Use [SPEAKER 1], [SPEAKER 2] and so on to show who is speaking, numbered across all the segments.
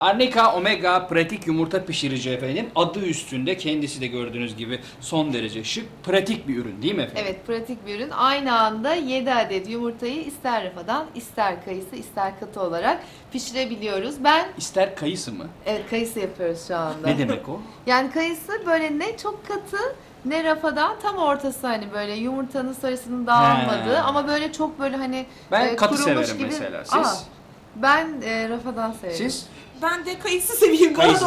[SPEAKER 1] Arnika Omega pratik yumurta pişirici efendim. Adı üstünde, kendisi de gördüğünüz gibi son derece şık, pratik bir ürün değil mi efendim?
[SPEAKER 2] Evet, pratik bir ürün. Aynı anda 7 adet yumurtayı ister rafadan, ister kayısı, ister katı olarak pişirebiliyoruz. Ben
[SPEAKER 1] İster kayısı mı?
[SPEAKER 2] evet, kayısı yapıyoruz şu anda.
[SPEAKER 1] Ne demek o?
[SPEAKER 2] Yani kayısı böyle ne çok katı ne rafadan, tam ortası, hani böyle yumurtanın sarısının dağılmadığı
[SPEAKER 1] He.
[SPEAKER 2] ama böyle çok böyle hani
[SPEAKER 1] Ben katı
[SPEAKER 2] kurumuş
[SPEAKER 1] severim
[SPEAKER 2] gibi.
[SPEAKER 1] mesela. Siz?
[SPEAKER 2] Aa, ben rafadan severim.
[SPEAKER 1] Siz?
[SPEAKER 3] Ben de kayısı seveyim.
[SPEAKER 1] Kayısı.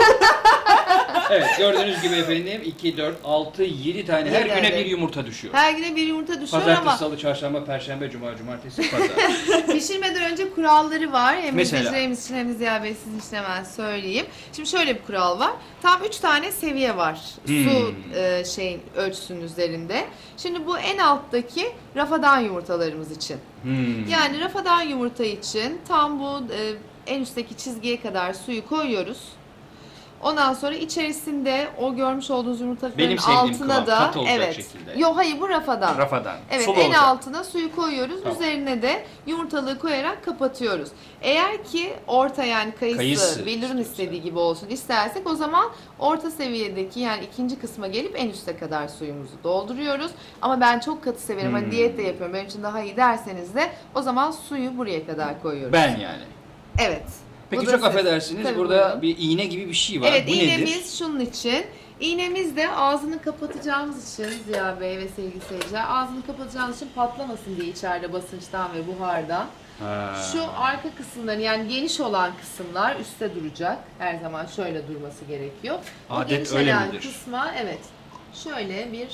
[SPEAKER 1] Evet, gördüğünüz gibi efendim 2, 4, 6, 7 tane her
[SPEAKER 2] Yedi
[SPEAKER 1] güne
[SPEAKER 2] adet.
[SPEAKER 1] bir yumurta düşüyor.
[SPEAKER 2] Her güne bir yumurta düşüyor
[SPEAKER 1] Pazartesi,
[SPEAKER 2] ama
[SPEAKER 1] salı, çarşamba, perşembe, cuma, cumartesi, pazar.
[SPEAKER 2] pişirmeden önce kuralları var. Hem
[SPEAKER 1] Mesela?
[SPEAKER 2] izleyicilerimiz için hem de Ziya Bey sizin için hemen söyleyeyim. Şimdi şöyle bir kural var. Tam 3 tane seviye var. Su şeyin ölçüsünün üzerinde. Şimdi bu en alttaki rafadan yumurtalarımız için. Yani rafadan yumurta için tam bu en üstteki çizgiye kadar suyu koyuyoruz. Ondan sonra içerisinde o görmüş olduğunuz yumurtaların
[SPEAKER 1] Benim sevdiğim
[SPEAKER 2] altına
[SPEAKER 1] kıvam,
[SPEAKER 2] da
[SPEAKER 1] katı olacak
[SPEAKER 2] evet.
[SPEAKER 1] şekilde.
[SPEAKER 2] Yok, hayır, bu rafadan.
[SPEAKER 1] Rafadan.
[SPEAKER 2] Evet,
[SPEAKER 1] Sulu
[SPEAKER 2] en
[SPEAKER 1] olacak.
[SPEAKER 2] altına suyu koyuyoruz.
[SPEAKER 1] Tamam.
[SPEAKER 2] Üzerine de yumurtalığı koyarak kapatıyoruz. Eğer ki orta, yani kayısı Billur'un
[SPEAKER 1] istiyorsa.
[SPEAKER 2] istediği gibi olsun istersek, o zaman orta seviyedeki, yani ikinci kısma gelip en üste kadar suyumuzu dolduruyoruz. Ama ben çok katı severim. Hani diyet de yapıyorum. Benim için daha iyi derseniz de o zaman suyu buraya kadar koyuyoruz.
[SPEAKER 1] Ben yani.
[SPEAKER 2] Evet.
[SPEAKER 1] Peki
[SPEAKER 2] Bu da
[SPEAKER 1] çok
[SPEAKER 2] siz.
[SPEAKER 1] affedersiniz,
[SPEAKER 2] Tabii,
[SPEAKER 1] burada
[SPEAKER 2] buyurun.
[SPEAKER 1] bir iğne gibi bir şey var.
[SPEAKER 2] Evet,
[SPEAKER 1] Bu nedir?
[SPEAKER 2] iğnemiz şunun için. İğnemiz de ağzını kapatacağımız için, Ziya Bey ve sevgili seyirciler, ağzını kapatacağımız için patlamasın diye içeride basınçtan ve buhardan.
[SPEAKER 1] Ha.
[SPEAKER 2] Şu arka kısımların, yani geniş olan kısımlar üstte duracak. Her zaman şöyle durması gerekiyor. O
[SPEAKER 1] Adet
[SPEAKER 2] geniş
[SPEAKER 1] öyle
[SPEAKER 2] olan
[SPEAKER 1] midir?
[SPEAKER 2] kısma evet şöyle bir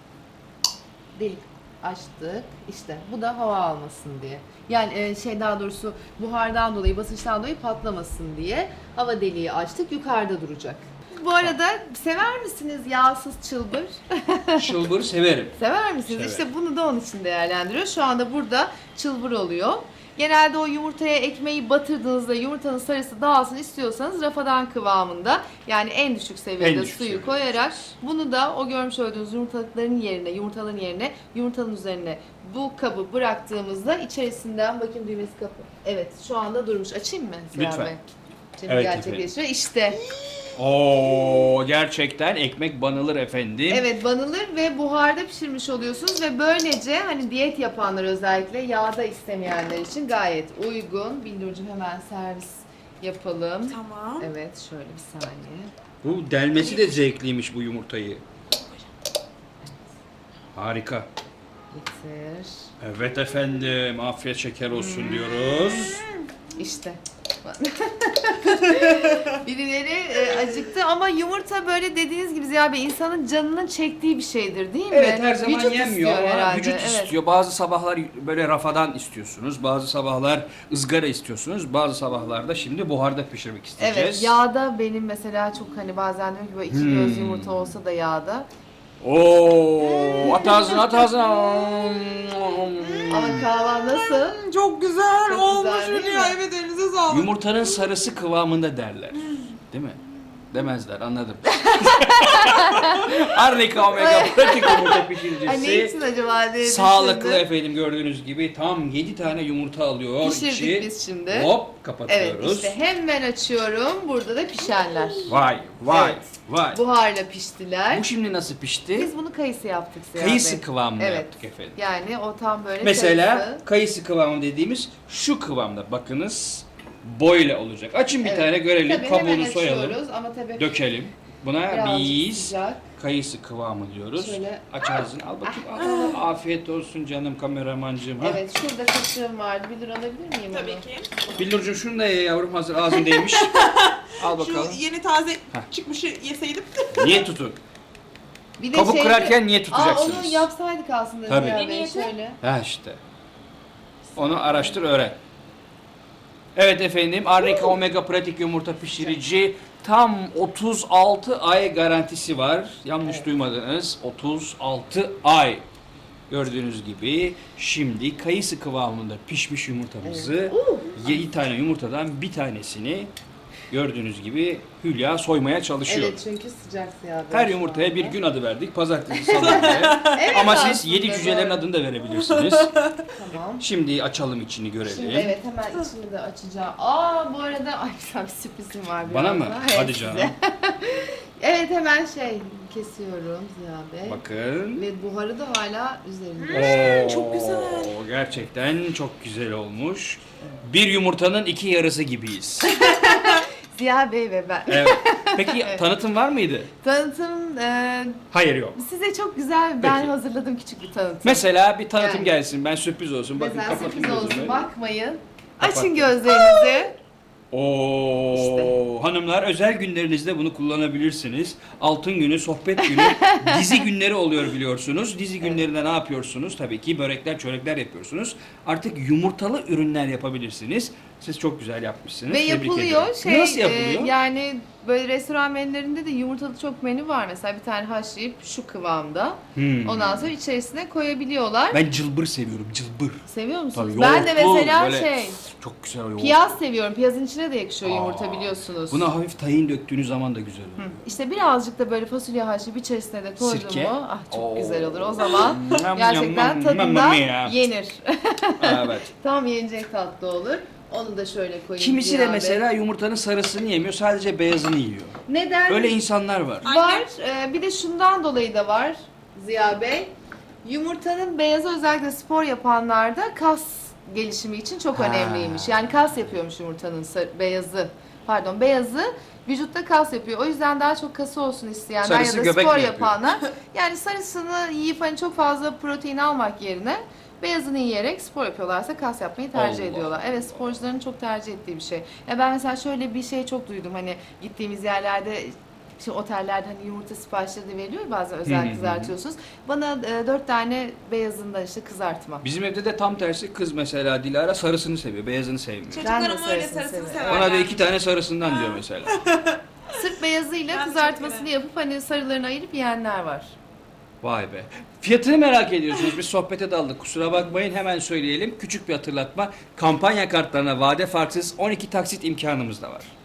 [SPEAKER 2] delik açtık. İşte bu da hava almasın diye. Yani daha doğrusu buhardan dolayı, basınçtan dolayı patlamasın diye hava deliği açtık. Yukarıda duracak. Bu arada sever misiniz yağsız çılbır?
[SPEAKER 1] Çılbırı severim.
[SPEAKER 2] Sever misiniz?
[SPEAKER 1] Severim.
[SPEAKER 2] İşte bunu da onun için değerlendiriyoruz. Şu anda burada çılbır oluyor. Genelde o yumurtaya ekmeği batırdığınızda yumurtanın sarısı dağılsın istiyorsanız rafadan kıvamında, yani en düşük seviyede
[SPEAKER 1] En düşük
[SPEAKER 2] suyu
[SPEAKER 1] seviyede.
[SPEAKER 2] koyarak, bunu da o görmüş olduğunuz yumurtaların yerine, yumurtanın üzerine bu kabı bıraktığımızda içerisinden, bakayım düğmesi kapı. Evet, şu anda durmuş. Açayım mı Ziya
[SPEAKER 1] Lütfen.
[SPEAKER 2] Bey? Şimdi
[SPEAKER 1] Evet,
[SPEAKER 2] gerçekleşiyor. İşte.
[SPEAKER 1] Oo, gerçekten ekmek banılır efendim.
[SPEAKER 2] Evet, banılır ve buharda pişirmiş oluyorsunuz ve böylece hani diyet yapanlar, özellikle yağda istemeyenler için gayet uygun. Billurcuğum, hemen servis yapalım.
[SPEAKER 3] Tamam.
[SPEAKER 2] Evet, şöyle bir saniye.
[SPEAKER 1] Bu delmesi de zevkliymiş bu yumurtayı. Harika.
[SPEAKER 2] Getir.
[SPEAKER 1] Evet efendim, afiyet şeker olsun diyoruz.
[SPEAKER 2] İşte. Birileri acıktı ama yumurta, böyle dediğiniz gibi Ziya Bey, insanın canının çektiği bir şeydir değil mi?
[SPEAKER 1] Evet, her zaman
[SPEAKER 2] Vücut
[SPEAKER 1] yenmiyor
[SPEAKER 2] istiyor
[SPEAKER 1] ama
[SPEAKER 2] herhalde,
[SPEAKER 1] vücut
[SPEAKER 2] evet.
[SPEAKER 1] istiyor. Bazı sabahlar böyle rafadan istiyorsunuz, bazı sabahlar ızgara istiyorsunuz, bazı sabahlarda şimdi buharda pişirmek isteyeceğiz.
[SPEAKER 2] Evet, yağda benim mesela çok, hani bazen diyorum ki böyle iki göz yumurta olsa da yağda.
[SPEAKER 1] Oo, at ağzına, at ağzına.
[SPEAKER 2] Ama kahvaltı nasıl?
[SPEAKER 3] Çok güzel
[SPEAKER 2] Çok
[SPEAKER 3] olmuş
[SPEAKER 2] güzel, değil
[SPEAKER 3] Hülya.
[SPEAKER 2] mi?
[SPEAKER 3] Evet, elinize sağlık.
[SPEAKER 1] Yumurtanın sarısı kıvamında derler. Değil mi? Demezler, anladım. Arnika Omega pratik yumurta
[SPEAKER 2] Ay, ne
[SPEAKER 1] pişiricisi.
[SPEAKER 2] için acaba diye
[SPEAKER 1] Sağlıklı
[SPEAKER 2] düşündüm.
[SPEAKER 1] efendim, gördüğünüz gibi tam 7 tane yumurta alıyor.
[SPEAKER 2] Pişirdik
[SPEAKER 1] içi.
[SPEAKER 2] biz şimdi.
[SPEAKER 1] Hop,
[SPEAKER 2] Evet,
[SPEAKER 1] kapatıyoruz.
[SPEAKER 2] işte hemen açıyorum. Burada da pişenler.
[SPEAKER 1] Vay vay
[SPEAKER 2] Evet.
[SPEAKER 1] vay.
[SPEAKER 2] Buharla piştiler.
[SPEAKER 1] Bu şimdi nasıl pişti?
[SPEAKER 2] Biz bunu kayısı yaptık Ziya
[SPEAKER 1] Kayısı
[SPEAKER 2] Bey.
[SPEAKER 1] kıvamında
[SPEAKER 2] Evet.
[SPEAKER 1] yaptık efendim.
[SPEAKER 2] Yani o tam böyle
[SPEAKER 1] Mesela
[SPEAKER 2] kayısı.
[SPEAKER 1] kayısı kıvamı dediğimiz şu kıvamda, bakınız böyle olacak. Açın bir
[SPEAKER 2] Evet.
[SPEAKER 1] tane görelim,
[SPEAKER 2] Tabii hemen
[SPEAKER 1] kabuğunu soyalım,
[SPEAKER 2] açıyoruz ama tabii
[SPEAKER 1] dökelim. Buna
[SPEAKER 2] birazcık
[SPEAKER 1] biz
[SPEAKER 2] sıcak.
[SPEAKER 1] kayısı kıvamı diyoruz.
[SPEAKER 2] Şöyle.
[SPEAKER 1] Aç ağzını, al bakayım. Al, afiyet olsun canım kameramancığım. Ha?
[SPEAKER 2] Evet, şurada kaşığım vardı. Bir lira alabilir miyim
[SPEAKER 3] Tabii
[SPEAKER 2] onu?
[SPEAKER 3] ki.
[SPEAKER 1] Billurcuğum şunu da ye yavrum, hazır ağzındaymış. Al bakalım.
[SPEAKER 3] Şu yeni taze
[SPEAKER 1] Heh.
[SPEAKER 3] çıkmışı yeseydim.
[SPEAKER 1] Niye tutun?
[SPEAKER 2] Bir de
[SPEAKER 1] Kabuk
[SPEAKER 2] şeyde-
[SPEAKER 1] kırarken niye tutacaksınız?
[SPEAKER 2] Onu yapsaydık aslında
[SPEAKER 1] Tabii.
[SPEAKER 2] Ziya
[SPEAKER 3] Ne
[SPEAKER 2] Bey,
[SPEAKER 3] niyeti?
[SPEAKER 2] şöyle.
[SPEAKER 1] Ha işte. Onu araştır, öğren. Evet efendim, Arnika Omega pratik yumurta pişirici tam 36 ay garantisi var. Yanlış
[SPEAKER 2] Evet.
[SPEAKER 1] duymadınız. 36 ay. Gördüğünüz gibi şimdi kayısı kıvamında pişmiş yumurtamızı 7 tane yumurtadan bir tanesini Gördüğünüz gibi Hülya soymaya çalışıyor.
[SPEAKER 2] Evet çünkü sıcak Ziya Bey
[SPEAKER 1] Her
[SPEAKER 2] şu
[SPEAKER 1] yumurtaya bir
[SPEAKER 2] anda.
[SPEAKER 1] gün adı verdik. Pazartesi, salı diye.
[SPEAKER 2] Evet,
[SPEAKER 1] Ama siz
[SPEAKER 2] aslında
[SPEAKER 1] 7 cücelerin
[SPEAKER 2] doğru.
[SPEAKER 1] adını da verebilirsiniz.
[SPEAKER 2] Tamam.
[SPEAKER 1] Şimdi açalım içini görelim.
[SPEAKER 2] Şimdi evet hemen içini de açacağım. Aa bu arada ay güzel bir sürprizim var
[SPEAKER 1] Bana mı?
[SPEAKER 2] birazdan. Evet,
[SPEAKER 1] Hadi
[SPEAKER 2] size.
[SPEAKER 1] canım.
[SPEAKER 2] Evet hemen kesiyorum Ziya Bey.
[SPEAKER 1] Bakın.
[SPEAKER 2] Ve buharı da hala üzerinde.
[SPEAKER 3] çok güzel.
[SPEAKER 1] Gerçekten çok güzel olmuş. Bir yumurtanın iki yarısı gibiyiz.
[SPEAKER 2] Ziya Bey ve ben.
[SPEAKER 1] Evet. Peki tanıtım var mıydı?
[SPEAKER 2] Tanıtım
[SPEAKER 1] Hayır yok.
[SPEAKER 2] size çok güzel ben
[SPEAKER 1] Peki.
[SPEAKER 2] hazırladım küçük bir tanıtım.
[SPEAKER 1] Mesela bir tanıtım
[SPEAKER 2] Yani.
[SPEAKER 1] gelsin. Ben sürpriz olsun. Bakın
[SPEAKER 2] Mesela
[SPEAKER 1] kapatın
[SPEAKER 2] sürpriz olsun
[SPEAKER 1] gözümü.
[SPEAKER 2] bakmayın.
[SPEAKER 1] Kapattım.
[SPEAKER 2] Açın gözlerinizi.
[SPEAKER 1] Oo,
[SPEAKER 2] İşte.
[SPEAKER 1] hanımlar özel günlerinizde bunu kullanabilirsiniz. Altın günü, sohbet günü, dizi günleri oluyor biliyorsunuz. Dizi günlerinde ne yapıyorsunuz? Tabii ki börekler, çörekler yapıyorsunuz. Artık yumurtalı ürünler yapabilirsiniz. Siz çok güzel yapmışsınız.
[SPEAKER 2] Ve
[SPEAKER 1] Tebrik
[SPEAKER 2] yapılıyor.
[SPEAKER 1] ederim. Nasıl yapılıyor?
[SPEAKER 2] Yani böyle restoran menülerinde de yumurtalı çok menü var. Mesela bir tane haşlayıp şu kıvamda. Ondan sonra içerisine koyabiliyorlar.
[SPEAKER 1] Ben cılbır seviyorum, cılbır.
[SPEAKER 2] Seviyor musunuz?
[SPEAKER 1] Tabii,
[SPEAKER 2] Ben de
[SPEAKER 1] yoğurtlu,
[SPEAKER 2] mesela
[SPEAKER 1] böyle çok güzel yoğurt.
[SPEAKER 2] piyaz seviyorum. Piyazın içine de yakışıyor yumurta
[SPEAKER 1] Aa,
[SPEAKER 2] biliyorsunuz.
[SPEAKER 1] Buna hafif tahin döktüğünüz zaman da güzel oluyor.
[SPEAKER 2] İşte birazcık da böyle fasulye haşlayıp içerisine de koydum
[SPEAKER 1] Sirke.
[SPEAKER 2] mu ah çok
[SPEAKER 1] Oo.
[SPEAKER 2] güzel olur. O zaman
[SPEAKER 1] Yam,
[SPEAKER 2] gerçekten
[SPEAKER 1] yam,
[SPEAKER 2] tadında
[SPEAKER 1] yam, yam.
[SPEAKER 2] yenir.
[SPEAKER 1] Evet.
[SPEAKER 2] Tam yenecek tatlı olur. Onu da şöyle koyayım.
[SPEAKER 1] Kimisi de
[SPEAKER 2] Ziya Bey.
[SPEAKER 1] mesela yumurtanın sarısını yemiyor, sadece beyazını yiyor.
[SPEAKER 2] Neden?
[SPEAKER 1] Öyle insanlar var.
[SPEAKER 2] Var. Bir de şundan dolayı da var Ziya Bey. Yumurtanın beyazı özellikle spor yapanlarda kas gelişimi için çok
[SPEAKER 1] Ha.
[SPEAKER 2] önemliymiş. Yani kas yapıyormuş yumurtanın beyazı. Pardon beyazı vücutta kas yapıyor. O yüzden daha çok kası olsun isteyenler
[SPEAKER 1] Sarısı
[SPEAKER 2] ya da
[SPEAKER 1] göbek
[SPEAKER 2] spor
[SPEAKER 1] mi yapıyor?
[SPEAKER 2] yapanlar. Yani sarısını yiyip hani çok fazla protein almak yerine beyazını yiyerek spor yapıyorlarsa kas yapmayı tercih
[SPEAKER 1] Allah.
[SPEAKER 2] ediyorlar. Evet sporcuların çok tercih ettiği bir şey. Ya ben mesela şöyle bir şey çok duydum hani gittiğimiz yerlerde işte otellerde hani yumurta siparişleri de veriliyor ya, bazen
[SPEAKER 1] Hı hı
[SPEAKER 2] özel
[SPEAKER 1] hı.
[SPEAKER 2] kızartıyorsunuz. Bana 4 tane beyazından işte kızartma.
[SPEAKER 1] Bizim evde de tam tersi kız mesela Dilara sarısını seviyor, beyazını sevmiyor.
[SPEAKER 2] Ben de
[SPEAKER 3] Çocuklarım öyle
[SPEAKER 2] sarısını
[SPEAKER 3] sarısını
[SPEAKER 2] severim.
[SPEAKER 3] severler.
[SPEAKER 1] Ona da 2 tane sarısından diyor mesela.
[SPEAKER 2] Sırf beyazıyla
[SPEAKER 3] Ben de
[SPEAKER 2] kızartmasını
[SPEAKER 3] çok
[SPEAKER 2] yapıp hani sarılarını ayırıp yiyenler var.
[SPEAKER 1] Vay be. Fiyatını merak ediyorsunuz. Biz sohbete daldık. Kusura bakmayın hemen söyleyelim. Küçük bir hatırlatma. Kampanya kartlarına vade farksız 12 taksit imkanımız da var.